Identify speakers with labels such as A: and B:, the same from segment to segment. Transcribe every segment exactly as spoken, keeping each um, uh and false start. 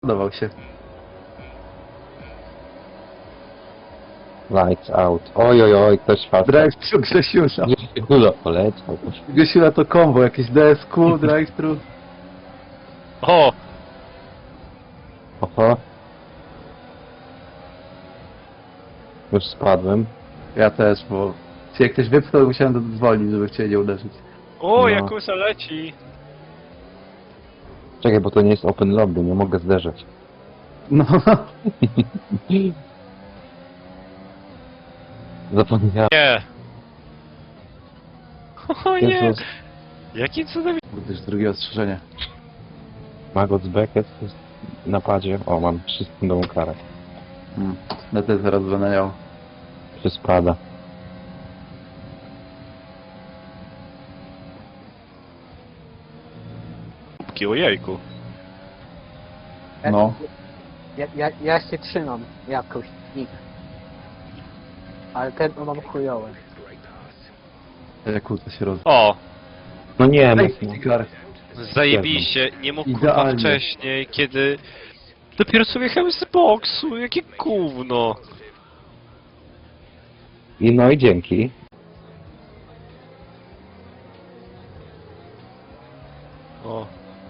A: Podobał się.
B: Lights out. Oj, oj, oj, ktoś wpadł.
A: Drive-thru Grzesiusza.
B: Grzesiula poleciał.
A: Grzesiula to combo, jakieś D S Q, drive-thru.
C: O!
B: Oho. Już spadłem.
A: Ja też, bo się jak ktoś wypchnął, musiałem zwolnić, żeby w ciebie nie uderzyć.
C: O,
B: No.
C: Jakusa leci!
B: Czekaj, bo to nie jest open lobby, nie mogę zderzać.
A: No,
B: Zapomniałem.
C: Nie! O nie!
B: Jezus.
C: Jakim cudem...
A: kurde, już drugie ostrzeżenie.
B: Magot Beckett jest w napadzie. O, mam trzysekundową karę.
A: Hmm. No to zaraz będę miał.
B: Się spada.
C: Ojejku.
A: No.
D: Ja, ja, ja się trzymam jakoś, nikt. Ale ten mam chujowe.
A: Jak to się roz...
C: O!
B: No nie,
A: Ej,
B: mocno.
A: Fikar.
C: Zajebiście, nie mógł kurwa
A: Idealnie.
C: wcześniej, kiedy... Dopiero sobie jechałem z boksu, jakie gówno!
B: I no i dzięki.
C: O.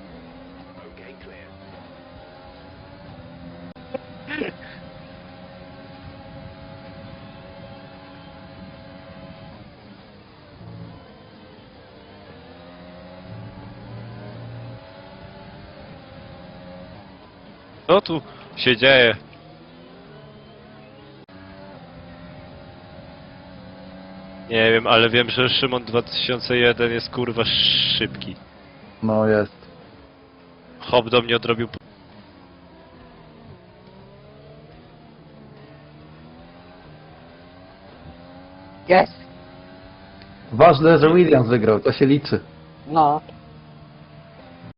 C: Co tu się dzieje? Nie wiem, ale wiem, że Szymon dwa tysiące jeden jest kurwa szybki.
A: No jest.
C: Hop do mnie odrobił... p-
D: Jest!
A: Ważne, że Williams wygrał, to się liczy.
D: No,